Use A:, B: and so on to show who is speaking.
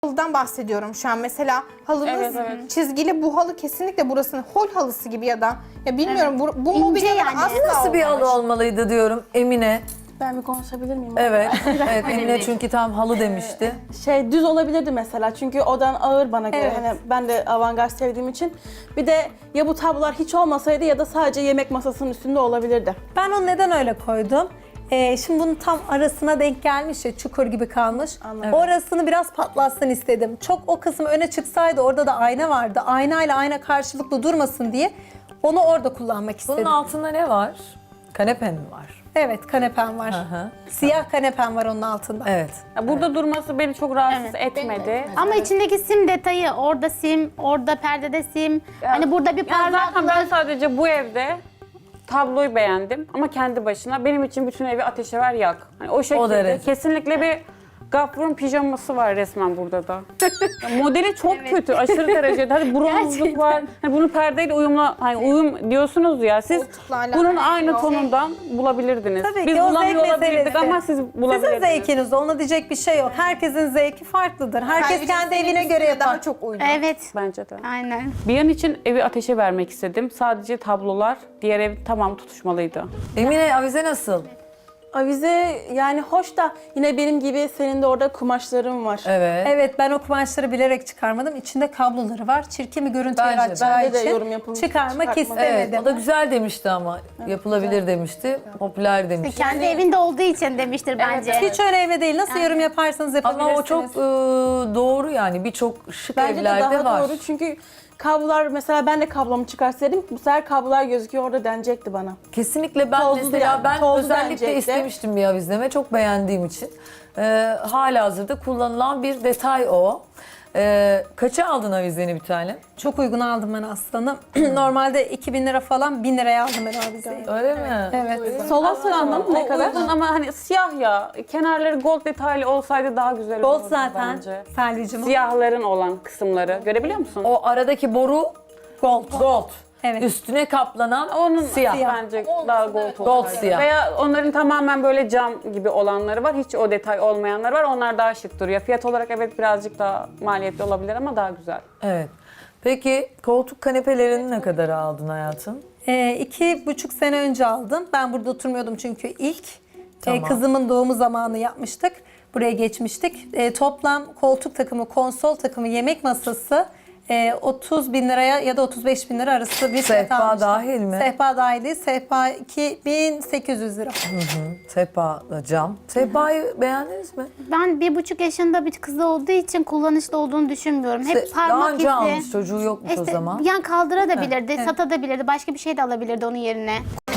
A: Halıdan bahsediyorum şu an. Mesela halınız
B: Evet.
A: çizgili, bu halı kesinlikle burasının hol halısı gibi ya bilmiyorum bu mobilyalar
C: yani.
A: asla
D: Nasıl bir halı
A: olmamış.
D: olmalıydı diyorum Emine.
E: Ben bir konuşabilir miyim?
D: Evet. Evet Emine çünkü tam halı demişti.
E: Düz olabilirdi mesela çünkü odan ağır bana göre.
A: Evet.
E: Hani ben de avantgard sevdiğim için. Bir de ya bu tablolar hiç olmasaydı ya da sadece yemek masasının üstünde olabilirdi.
F: Ben onu neden öyle koydum? Şimdi bunun tam arasına denk gelmiş ya, çukur gibi kalmış.
E: Anladım.
F: Orasını biraz patlatsın istedim. Çok o kısım öne çıksaydı, orada da ayna vardı. Aynayla ayna karşılıklı durmasın diye onu orada kullanmak
D: Bunun
F: istedim.
D: altında ne var? Kanepen mi var?
F: Evet, kanepem var.
D: Hı.
F: Siyah kanepem var onun altında.
D: Evet.
B: Ya burada durması beni çok rahatsız etmedi.
C: Ama içindeki sim detayı, orada sim, orada perdede sim. Hani burada bir
B: Ya zaten ben
C: parlaklık.
B: sadece bu evde tabloyu beğendim ama kendi başına benim için bütün evi ateşe ver yak. Hani o şekilde
D: derece.
B: kesinlikle bir Gafur'un pijaması var resmen burada da. Ya modeli çok kötü, aşırı derecede. Hadi bronzluk var. Hani bunu perdeyle uyumla, hani uyum diyorsunuz ya. Siz
A: Koltukla alakalı
B: bunun
A: bir
B: aynı
A: şey yok.
B: tonundan bulabilirdiniz.
F: Tabii
B: Biz
F: ki o
B: bulamıyor
F: zevk
B: olabilirdik
F: meselesi.
B: ama siz bulabilirdiniz.
F: Sizin zevkiniz, ona diyecek bir şey yok. Herkesin zevki farklıdır. Herkes
A: Bence
F: kendi
A: senin
F: evine göre
A: üstüne
F: yapar.
A: daha çok uydu.
C: Evet.
B: Bence de.
C: Aynen.
B: Bir an için evi ateşe vermek istedim. Sadece tablolar, diğer ev tamam tutuşmalıydı.
D: Emine avize nasıl?
E: Avize yani hoş da yine benim gibi senin de orada kumaşların var.
D: Evet.
F: Evet, ben o kumaşları bilerek çıkarmadım. İçinde kabloları var. Çirkin bir görüntü
D: Bence de.
F: yaratacağı
E: Bende de
F: için
E: yorum yapılmış.
F: çıkarmak
E: Çıkartmak.
F: istemedim.
D: Evet, o da güzel demişti ama yapılabilir demişti, popüler demişti.
C: Kendi evinde olduğu için demiştir bence.
F: Hiç önemli değil. Nasıl yorum yaparsanız yapabilirsiniz.
D: Ama o çok doğru yani birçok şık
E: Bence de
D: evlerde
E: daha
D: var.
E: doğru çünkü kablolar mesela ben de kablomu çıkarsaydım bu sefer kablolar gözüküyor orada denecekti bana.
D: Kesinlikle ben
E: Tozlu
D: mesela
E: yani,
D: ben
E: tozlu
D: özellikle
E: denecekti.
D: istemiştim bir avizleme çok beğendiğim için. Halihazırda kullanılan bir detay o. Kaça aldın avizeni bir tane?
F: Çok uygun aldım ben aslanım. Normalde 2000 lira falan, 1000 liraya aldım ben o avizeyi.
D: Öyle mi?
F: Evet.
E: Sola sığandım ne kadar?
B: Uygun ama hani siyah ya. Kenarları gold detaylı olsaydı daha güzel
F: Gold
B: olurdu
F: zaten
B: bence.
F: Selvi'cim.
B: Siyahların olan kısımları. Görebiliyor musun?
D: O aradaki boru
F: Gold.
D: gold.
F: Evet.
D: Üstüne kaplanan
B: Onun
D: siyah.
B: bence daha gold
D: Gold
B: olsaydı.
D: siyah.
B: Veya onların tamamen böyle cam gibi olanları var. Hiç o detay olmayanlar var. Onlar daha şık duruyor. Fiyat olarak evet birazcık daha maliyetli olabilir ama daha güzel.
D: Evet. Peki koltuk kanepelerini ne kadar aldın hayatım?
F: 2,5 sene önce aldım. Ben burada oturmuyordum çünkü ilk.
D: Tamam.
F: Kızımın doğumu zamanı yapmıştık. Buraya geçmiştik. Toplam koltuk takımı, konsol takımı, yemek masası 30 bin liraya ya da 35 bin lira arası bir fiyat
D: Sehpa
F: almıştım.
D: dahil mi?
F: Sehpa dahil değil. Sehpa 2800 lira.
D: Sehpa cam. Sehpayı beğendiniz mi?
C: Ben 1,5 yaşında bir kız olduğu için kullanışlı olduğunu düşünmüyorum. Hep
D: Daha
C: parmak
D: önce
C: izi.
D: almış çocuğu yokmuş o zaman.
C: Yani kaldırabilirdi, satabilirdi, başka bir şey de alabilirdi onun yerine.